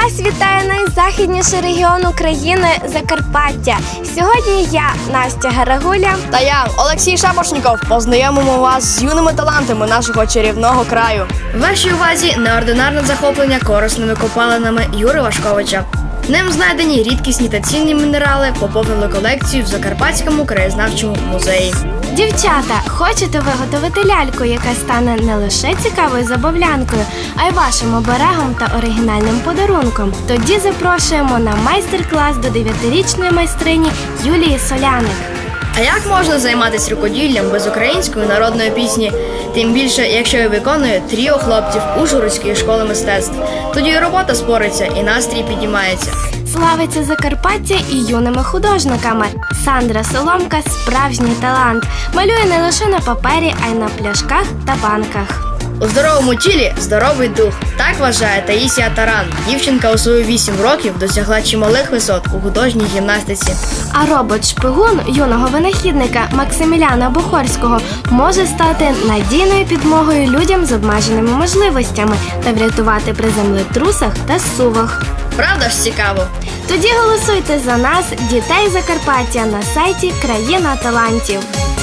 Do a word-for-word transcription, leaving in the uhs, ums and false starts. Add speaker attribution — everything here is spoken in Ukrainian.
Speaker 1: Вас вітає найзахідніший регіон України – Закарпаття. Сьогодні я, Настя Гарагуля
Speaker 2: та я, Олексій Шапошніков, познайомимо вас з юними талантами нашого чарівного краю.
Speaker 3: Вашій увазі неординарне захоплення корисними копалинами Юри Вашковича. Ним знайдені рідкісні та цінні мінерали поповнили колекцію в Закарпатському краєзнавчому музеї.
Speaker 1: Дівчата, хочете виготовити ляльку, яка стане не лише цікавою забавлянкою, а й вашим оберегом та оригінальним подарунком? Тоді запрошуємо на майстер-клас до дев'ятирічної майстрині Юлії Соляник.
Speaker 3: А як можна займатися рукоділлям без української народної пісні? Тим більше, якщо її виконує тріо хлопців Ужгородської школи мистецтв. Тоді і робота спориться, і настрій підіймається.
Speaker 1: Славиться Закарпаття і юними художниками. Сандра Соломка – справжній талант. Малює не лише на папері, а й на пляшках та банках.
Speaker 3: У здоровому тілі – здоровий дух. Так вважає Таїсія Таран. Дівчинка у свої вісім років досягла чималих висот у художній гімнастиці.
Speaker 1: А робот-шпигун юного винахідника Максиміляна Бухорського може стати надійною підмогою людям з обмеженими можливостями та врятувати при землетрусах та зсувах.
Speaker 3: Правда ж цікаво?
Speaker 1: Тоді голосуйте за нас, дітей Закарпаття, на сайті «Країна талантів».